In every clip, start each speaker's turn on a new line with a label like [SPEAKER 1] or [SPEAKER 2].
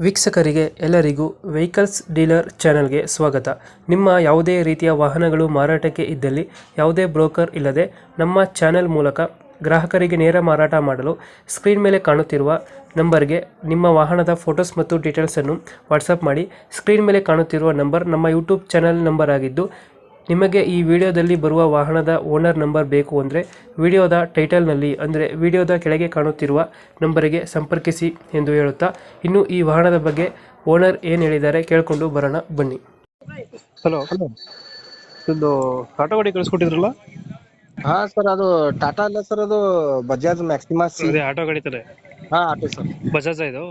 [SPEAKER 1] ವೀಕ್ಷಕರಿಗೆ ಎಲ್ಲರಿಗೂ vehicles dealer ಚಾನೆಲ್ಗೆ ಸ್ವಾಗತ. ನಿಮ್ಮ ಯಾವುದೇ ರೀತಿಯ ವಾಹನಗಳು ಮಾರಾಟಕ್ಕೆ ಇದ್ದಲ್ಲಿ ಯಾವುದೇ ಬ್ರೋಕರ್ ಇಲ್ಲದೆ ನಮ್ಮ ಚಾನೆಲ್ ಮೂಲಕ ಗ್ರಾಹಕರಿಗೆ ನೇರ ಮಾರಾಟ ಮಾಡಲು ಸ್ಕ್ರೀನ್ ಮೇಲೆ ಕಾಣುತ್ತಿರುವ ನಂಬರ್ಗೆ ನಿಮ್ಮ ವಾಹನದ ಫೋಟೋಸ್ ಮತ್ತು ಡೀಟೇಲ್ಸನ್ನು ವಾಟ್ಸಪ್ ಮಾಡಿ. ಸ್ಕ್ರೀನ್ ಮೇಲೆ ಕಾಣುತ್ತಿರುವ ನಂಬರ್ ನಮ್ಮ ಯೂಟ್ಯೂಬ್ ಚಾನೆಲ್ ನಂಬರ್ ಆಗಿದ್ದು, ನಿಮಗೆ ಈ ವಿಡಿಯೋದಲ್ಲಿ ಬರುವ ವಾಹನದ ಓನರ್ ನಂಬರ್ ಬೇಕು ಅಂದರೆ ವಿಡಿಯೋದ ಟೈಟಲ್ನಲ್ಲಿ ಅಂದರೆ ವಿಡಿಯೋದ ಕೆಳಗೆ ಕಾಣುತ್ತಿರುವ ನಂಬರಿಗೆ ಸಂಪರ್ಕಿಸಿ ಎಂದು ಹೇಳುತ್ತಾ, ಇನ್ನು ಈ ವಾಹನದ ಬಗ್ಗೆ ಓನರ್ ಏನು ಹೇಳಿದ್ದಾರೆ ಕೇಳಿಕೊಂಡು ಬರೋಣ ಬನ್ನಿ. Hello,
[SPEAKER 2] hello.
[SPEAKER 1] ಒಂದು ಆಟೋ ಗಾಡಿ ಕಳಿಸ್ಕೊಟ್ಟಿದ್ರಲ್ಲ?
[SPEAKER 2] ಹಾ ಸರ್, ಅದು ಟಾಟಾ ಅಲ್ಲ ಸರ್, ಅದು ಬಜಾಜ್ ಮ್ಯಾಕ್ಸಿಮಾ ಸಿ.
[SPEAKER 1] ಅದೇ ಆಟೋ ಗಾಡಿ ತಾನೆ?
[SPEAKER 2] ಹಾ, ಆಟೋ ಸರ್.
[SPEAKER 1] ಬಜಾಜ್ ಇದು?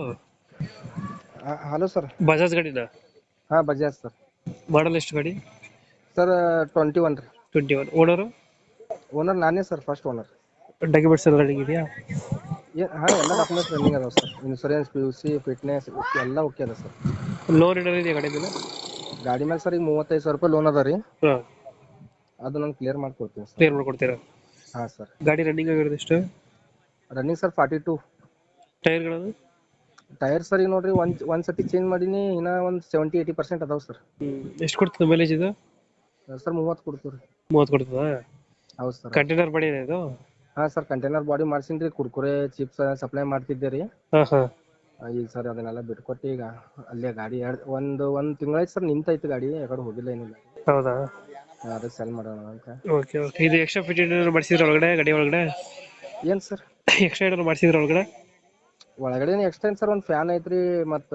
[SPEAKER 2] Hello sir.
[SPEAKER 1] ಬಜಾಜ್ ಗಾಡಿನ?
[SPEAKER 2] ಹಾ, ಬಜಾಜ್ ಸರ್.
[SPEAKER 1] ಮಾಡಲ್ ಎಷ್ಟು ಗಾಡಿ?
[SPEAKER 2] ಸರ್ 21 ರೀ.
[SPEAKER 1] 21. ಓನರು?
[SPEAKER 2] ಓನರ್ ನಾನೇ ಸರ್, ಫಸ್ಟ್ ಓನರ್.
[SPEAKER 1] ಡಾಕ್ಯುಮೆಂಟ್ಸ್ ಎಲ್ಲ ರೆಡಿ ಇದೆಯಾ?
[SPEAKER 2] ಹಾ, ಎಲ್ಲ ಡಾಕ್ಯುಮೆಂಟ್ಸ್ ರನ್ನಿಂಗ್ ಅದಾವ ಸರ್. ಇನ್ಸೂರೆನ್ಸ್, PUC, ಫಿಟ್ನೆಸ್ ಎಲ್ಲ ಓಕೆ ಅದ ಸರ್.
[SPEAKER 1] ಲೋನ್ ಏನಾರ ಇದೆಯಾ ಗಾಡಿ ಮೇಲೆ?
[SPEAKER 2] ಗಾಡಿ ಮೇಲೆ ಸರ್ ಈಗ 35,000 ರೂಪಾಯಿ ಲೋನ್ ಅದ ರೀ.
[SPEAKER 1] ಹಾಂ,
[SPEAKER 2] ಅದು ನಾನು ಕ್ಲಿಯರ್ ಮಾಡ್ಕೊಡ್ತೀನಿ ಸರ್.
[SPEAKER 1] ಕ್ಲಿಯರ್ ಮಾಡ್ಕೊಡ್ತೀರಾ?
[SPEAKER 2] ಹಾ ಸರ್.
[SPEAKER 1] ಗಾಡಿ ರನ್ನಿಂಗ್ ಆಗಿರೋದು ಎಷ್ಟು?
[SPEAKER 2] Running sir 42.
[SPEAKER 1] ಟೈರ್ಗಳನ್ನು?
[SPEAKER 2] ಟೈರ್ ಸರ್ ಈಗ ನೋಡ್ರಿ, ಒಂದ್ ಸತಿ ಚೇಂಜ್ ಮಾಡೀನಿ, ಇನ್ನ ಒಂದು 70-80% ಅದಾವ ಸರ್.
[SPEAKER 1] ಎಷ್ಟು ಕೊಡ್ತದೆ ಮೈಲೇಜ್ ಇದು?
[SPEAKER 2] ಸರ್ 30 ಕೊಡ್ತೀವಿ.
[SPEAKER 1] 30 ಕೊಡ್ತದಾ?
[SPEAKER 2] ಹೌದು ಸರ್.
[SPEAKER 1] ಕಂಟೈನರ್ ಬಾಡಿ ಇದೆ ಇದು?
[SPEAKER 2] ಹಾ ಸರ್, ಕಂಟೈನರ್ ಬಾಡಿ ಮಾಡ್ಸಿನ್ರಿ. ಕುರ್ಕುರೆ ಚಿಪ್ಸ್ ಸಪ್ಲೈ ಮಾಡ್ತಿದ್ದೆ ರೀ.
[SPEAKER 1] ಹಾಂ ಹಾಂ.
[SPEAKER 2] ಈಗ ಸರ್ ಅದನ್ನೆಲ್ಲ ಬಿಟ್ಕೊಟ್ಟು ಈಗ ಅಲ್ಲೇ ಗಾಡಿ ಒಂದ್ ತಿಂಗಳಾಯ್ತು ಸರ್, ನಿಂತೈತಿ ಗಾಡಿ, ಯಾಕಡೆ ಹೋಗಿಲ್ಲ ಏನಿಲ್ಲ.
[SPEAKER 1] ಹೌದಾ?
[SPEAKER 2] ಅದಕ್ಕೆ ಸೆಲ್ ಮಾಡೋಣ ಅಂತ.
[SPEAKER 1] Okay okay. ಇದು ಎಕ್ಸ್ಟ್ರಾ ಫಿಟ್ಟಿಂಗ್ ಏನಾದ್ರು ಮಾಡಿಸಿದ್ರೆ ಒಳಗಡೆ, ಗಾಡಿ ಒಳಗಡೆ
[SPEAKER 2] ಏನ್ ಸರ್
[SPEAKER 1] ಎಕ್ಸ್ಟ್ರಾ ಏನಾದ್ರು ಮಾಡಿಸಿದ್ರೆ ಒಳಗಡೆ?
[SPEAKER 2] ಒಳಗಡೆ ಎಕ್ಸ್ಟೆಂಡ್ ಸರ್, ಒಂದು ಫ್ಯಾನ್ ಐತ್ರಿ, ಮತ್ತ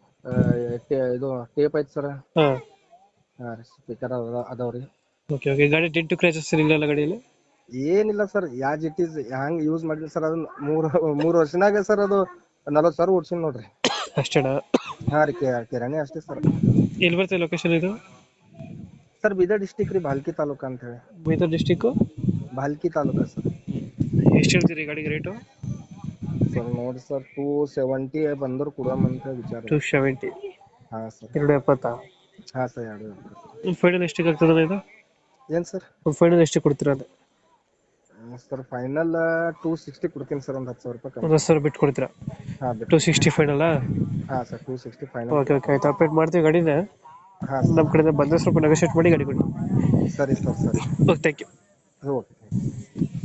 [SPEAKER 2] ಇದು ಟೇಪ್ ಐತಿ ಸರ್.
[SPEAKER 1] ಹಾಂ.
[SPEAKER 2] ಹಾ ರೀ, ಸ್ಪೀಕರ್ ಅದಾವ್ರಿ.
[SPEAKER 1] Okay okay. ಗಾಡಿ ಡೆಂಟು ಕ್ರ್ಯಾಚಸ್ ಇಲ್ಲ ಗಾಡಿಯಲ್ಲಿ?
[SPEAKER 2] ಏನಿಲ್ಲ sir, as it is hang use ಮಾಡಿಲ್ಲ ಸರ್. ಅದನ್ನ ಮೂರು ವರ್ಷನಾಗ ಸರ್ ಅದು 40,000 ಓಡ್ಸಿನ್ ನೋಡ್ರಿ.
[SPEAKER 1] ಅಷ್ಟೇನಾ?
[SPEAKER 2] ಹಾ ರೀ, ಕಿರಾಣಿ ಅಷ್ಟೇ ಸರ್.
[SPEAKER 1] ಎಲ್ಲಿ ಬರ್ತದೆ ಲೊಕೇಶನ್ ಇದು?
[SPEAKER 2] ಸರ್ ಬೀದರ್ ಡಿಸ್ಟಿಕ್ ರೀ, ಭಾಲ್ಕಿ ತಾಲೂಕ ಅಂತ ಹೇಳಿ.
[SPEAKER 1] ಬೀದರ್ ಡಿಸ್ಟಿಕ್ಕು?
[SPEAKER 2] ಭಾಲ್ಕಿ ತಾಲೂಕ ಸರ್.
[SPEAKER 1] ಎಷ್ಟು ಹೇಳ್ತೀರಿ ಗಾಡಿಗೆ ರೇಟು?
[SPEAKER 2] ಸರ್ ನೋಡಿ ಸರ್, 270 ಬಂದ್ರು ಕೊಡೋಮಂತ ವಿಚಾರ.
[SPEAKER 1] 270?
[SPEAKER 2] ಹಾ ಸರ್.
[SPEAKER 1] 270?
[SPEAKER 2] ಹಾ ಸರ್, 270.
[SPEAKER 1] ಫೈನಲ್ ಎಷ್ಟಿಗೆ ಆಗ್ತದೆ ಇದು?
[SPEAKER 2] ಏನ್ ಸರ್?
[SPEAKER 1] ಫೈನಲ್ ಎಷ್ಟು ಕೊಡ್ತೀರಾ ಅದು?
[SPEAKER 2] ಸರ್ ಫೈನಲ್ 260 ಕೊಡ್ತೀನಿ ಸರ್, ಒಂದು 10,000 ರೂಪಾಯಿ ಕಮ್ಮಿ.
[SPEAKER 1] 10,000 ಬಿಟ್ಟು ಕೊಡ್ತೀರಾ?
[SPEAKER 2] ಹಾ,
[SPEAKER 1] 260 ಫೈನಲ್?
[SPEAKER 2] ಹಾ ಸರ್, 260 ಫೈನಲ್.
[SPEAKER 1] ಓಕೆ ಓಕೆ, ಆಯ್ತು. ಅಪ್ಡೇಟ್ ಮಾಡ್ತೀವಿ ಗಾಡಿನ.
[SPEAKER 2] ಹಾ
[SPEAKER 1] ನಮ್ಮ
[SPEAKER 2] ಸರ್.
[SPEAKER 1] ಕಡೆಯಿಂದ ಬಂದರೆ ಸ್ವಲ್ಪ ನೆಗೋಷಿಯೇಟ್ ಮಾಡಿ ಗಾಡಿ ಕೊಡಿ.
[SPEAKER 2] ಸರಿ ಸರ್, ಸರಿ.
[SPEAKER 1] Okay, thank you.
[SPEAKER 2] ಓಕೆ.